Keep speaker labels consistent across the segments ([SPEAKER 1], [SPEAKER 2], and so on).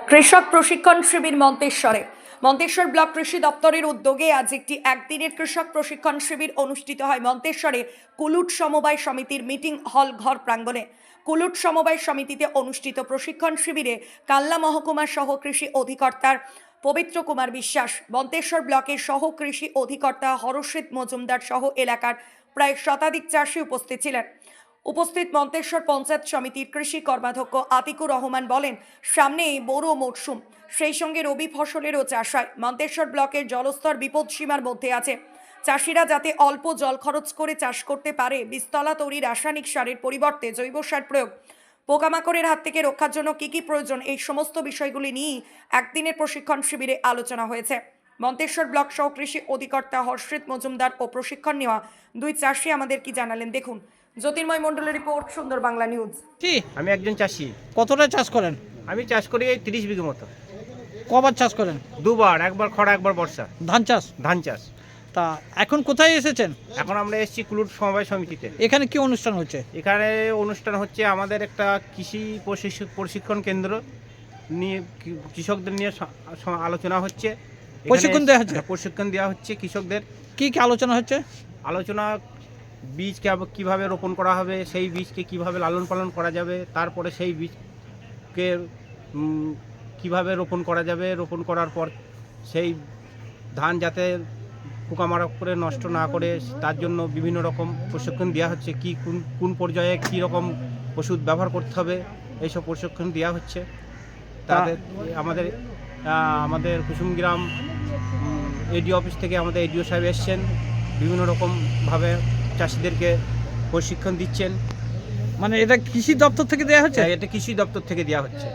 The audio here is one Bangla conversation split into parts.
[SPEAKER 1] কৃষক প্রশিক্ষণ শিবির মন্তেশ্বর ব্লক কৃষি দপ্তরের উদ্যোগে আজ একদিনের কৃষক প্রশিক্ষণ শিবির অনুষ্ঠিত হয় মন্তেশ্বরে কুলুট সমবায় সমিতির মিটিং হল ঘর প্রাঙ্গণে। কুলুট সমবায় সমিতিতে অনুষ্ঠিত প্রশিক্ষণ শিবিরে কাল্লা মহকুমার সহ কৃষি অধিকর্তার পবিত্র কুমার বিশ্বাস, মন্তেশ্বর ব্লকের সহ কৃষি অধিকর্তা হরষিত মজুমদার সহ এলাকার প্রায় শতাধিক চাষি উপস্থিত ছিলেন। উপস্থিত মন্তেশ্বর পঞ্চায়েত সমিতির কৃষি কর্মাধ্যক্ষ আতিকুর রহমান বলেন, সামনে বোরো মরশুম, সেই সঙ্গে রবি ফসলেরও চাষ হয়। মন্তেশ্বর ব্লকের জলস্তর বিপদসীমার মধ্যে আছে। চাষিরা যাতে অল্প জল খরচ করে চাষ করতে পারে, বীজতলা তৈরি রাসায়নিক সারের পরিবর্তে জৈব সার প্রয়োগ, পোকামাকড়ের হাত থেকে রক্ষার জন্য কী কী প্রয়োজন, এই সমস্ত বিষয়গুলি নিয়েই একদিনের প্রশিক্ষণ শিবিরে আলোচনা হয়েছে। মন্তেশ্বর ব্লক সহ কৃষি অধিকর্তা হরষিত মজুমদার ও প্রশিক্ষণ নেওয়া দুই চাষি আমাদের কি জানালেন দেখুন। জ্যোতির্ময় মণ্ডলের রিপোর্ট, সুন্দর বাংলা নিউজ।
[SPEAKER 2] আমি একজন চাষি।
[SPEAKER 3] কতটা চাষ করেন?
[SPEAKER 2] আমি চাষ করি এই 30 বিঘে মতো।
[SPEAKER 3] কবার চাষ করেন?
[SPEAKER 2] দুবার, একবার খরা একবার বর্ষা।
[SPEAKER 3] ধান চাষ?
[SPEAKER 2] ধান চাষ।
[SPEAKER 3] তা এখন কোথায় এসেছেন?
[SPEAKER 2] এখন আমরা এসেছি কুলুট সমবায় সমিতিতে।
[SPEAKER 3] এখানে কি অনুষ্ঠান হচ্ছে?
[SPEAKER 2] এখানে অনুষ্ঠান হচ্ছে আমাদের একটা কৃষি প্রশিক্ষণ কেন্দ্র নিয়ে, কৃষকদের নিয়ে আলোচনা হচ্ছে।
[SPEAKER 3] প্রশিক্ষণ দেওয়া হচ্ছে?
[SPEAKER 2] প্রশিক্ষণ দেওয়া হচ্ছে কৃষকদের।
[SPEAKER 3] কি কি আলোচনা হচ্ছে?
[SPEAKER 2] আলোচনা বীজ কিভাবে রোপণ করা হবে, সেই বীজকে কিভাবে লালন পালন করা যাবে, তারপরে সেই বীজকে কিভাবে রোপণ করা যাবে, রোপণ করার পর সেই ধান যাতে পোকামাকড় করে নষ্ট না করে তার জন্য বিভিন্ন রকম প্রশিক্ষণ দেওয়া হচ্ছে। কি কোন পর্যায়ে কী রকম ওষুধ ব্যবহার করতে হবে, এইসব প্রশিক্ষণ দেওয়া হচ্ছে। তাদের আমাদের কুসুমগ্রাম এডিও অফিস থেকে আমাদের এডিও সাহেব এসছেন, বিভিন্ন রকমভাবে চাষিদেরকে প্রশিক্ষণ দিচ্ছেন।
[SPEAKER 3] মানে এটা কৃষি দপ্তর থেকে দেওয়া হচ্ছে?
[SPEAKER 2] এটা কৃষি দপ্তর থেকে দেওয়া হচ্ছে।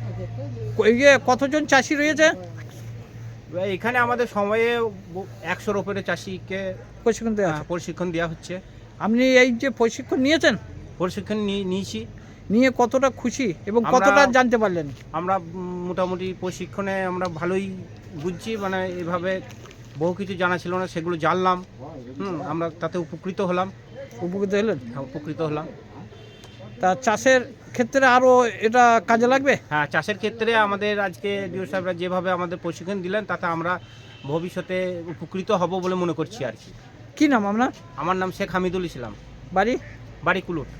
[SPEAKER 3] কতজন চাষি রয়েছে
[SPEAKER 2] এখানে? আমাদের সময়ে 100-র উপরে চাষিকে প্রশিক্ষণ দেওয়া হচ্ছে।
[SPEAKER 3] আপনি এই যে প্রশিক্ষণ নিয়েছেন?
[SPEAKER 2] প্রশিক্ষণ নিয়েছি।
[SPEAKER 3] নিয়ে কতটা খুশি এবং কতটা জানতে পারলেন?
[SPEAKER 2] আমরা মোটামুটি প্রশিক্ষণে আমরা ভালোই বুঝছি, মানে এভাবে বহু কিছু জানা ছিল না, সেগুলো জানলাম। আমরা তাতে উপকৃত হলাম।
[SPEAKER 3] উপকৃত হলেন?
[SPEAKER 2] হ্যাঁ, উপকৃত হলাম।
[SPEAKER 3] তা চাষের ক্ষেত্রে আরও এটা কাজে লাগবে?
[SPEAKER 2] হ্যাঁ, চাষের ক্ষেত্রে আমাদের আজকে ডিও সাহেবরা যেভাবে আমাদের প্রশিক্ষণ দিলেন, তাতে আমরা ভবিষ্যতে উপকৃত হব বলে মনে করছি আর কি।
[SPEAKER 3] কি নাম আপনার?
[SPEAKER 2] আমার নাম শেখ হামিদুল ইসলাম।
[SPEAKER 3] বাড়ি
[SPEAKER 2] কুলুট।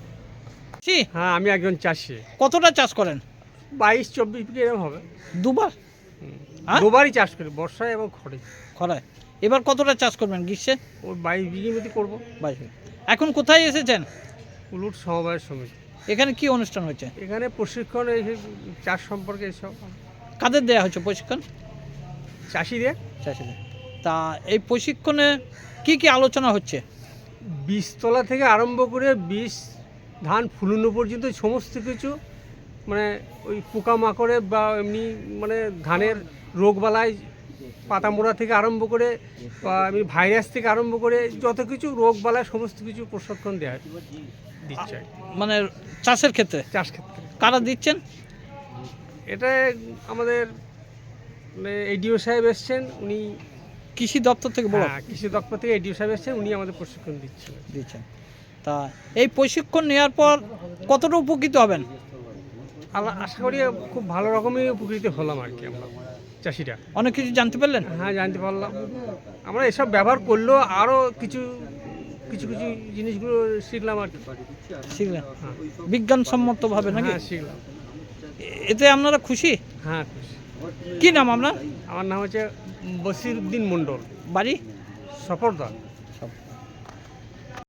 [SPEAKER 4] হ্যাঁ, আমি একজন চাষি।
[SPEAKER 3] কতটা চাষ করেন?
[SPEAKER 4] 22-24 বিঘে এরকম হবে।
[SPEAKER 3] দুবার?
[SPEAKER 4] দুবারই চাষ করি, বর্ষায় এবং
[SPEAKER 3] খরায়। এবার কতটা চাষ করবেন গ্রীষ্মে?
[SPEAKER 4] ওই 22 বিঘের মধ্যে করবো।
[SPEAKER 3] 22 বিঘে। এখন কোথায় এসেছেন?
[SPEAKER 4] কুলুট সমবায় সমিতি।
[SPEAKER 3] এখানে কি অনুষ্ঠান হচ্ছে?
[SPEAKER 4] এখানে প্রশিক্ষণ, এই চাষ সম্পর্কে এইসব।
[SPEAKER 3] কাদের দেওয়া হচ্ছে প্রশিক্ষণ?
[SPEAKER 4] চাষিদের।
[SPEAKER 3] তা এই প্রশিক্ষণে কি কি আলোচনা হচ্ছে?
[SPEAKER 4] বীজতলা থেকে আরম্ভ করে বীজ ধান ফুলানো পর্যন্ত সমস্ত কিছু, মানে ওই পোকামাকড়ে বা এমনি মানে ধানের রোগবালাই, পাতা মোড়া থেকে আরম্ভ করে বা এমনি ভাইরাস থেকে আরম্ভ করে যত কিছু রোগবালাই সমস্ত কিছু প্রশিক্ষণ দেওয়া দিচ্ছে।
[SPEAKER 3] মানে চাষের ক্ষেত্রে?
[SPEAKER 4] চাষ ক্ষেত্রে।
[SPEAKER 3] কারা দিচ্ছেন
[SPEAKER 4] এটা? আমাদের এডিও সাহেব এসছেন, উনি
[SPEAKER 3] কৃষি দপ্তর থেকে।
[SPEAKER 4] কৃষি দপ্তর থেকে এডিও সাহেব এসছেন, উনি আমাদের প্রশিক্ষণ দিচ্ছেন।
[SPEAKER 3] তা এই প্রশিক্ষণ নেওয়ার পর কতটা উপকৃত হবেন?
[SPEAKER 4] আশা করি খুব ভালো রকমই উপকৃত হলাম আর কি। আমরা চাষিরা
[SPEAKER 3] অনেক কিছু জানতে পারলেন?
[SPEAKER 4] হ্যাঁ, জানতে পারলাম। আমরা এসব ব্যবহার করলেও আরও কিছু জিনিসগুলো শিখলাম আর কি।
[SPEAKER 3] শিখলেন? হ্যাঁ, বিজ্ঞানসম্মতভাবে নাকি?
[SPEAKER 4] হ্যাঁ, শিখলাম।
[SPEAKER 3] এতে আপনারা খুশি?
[SPEAKER 4] হ্যাঁ, খুশি।
[SPEAKER 3] কি নাম আপনার?
[SPEAKER 4] আমার নাম হচ্ছে বসির উদ্দিন মণ্ডল।
[SPEAKER 3] বাড়ি?
[SPEAKER 4] সফরদা।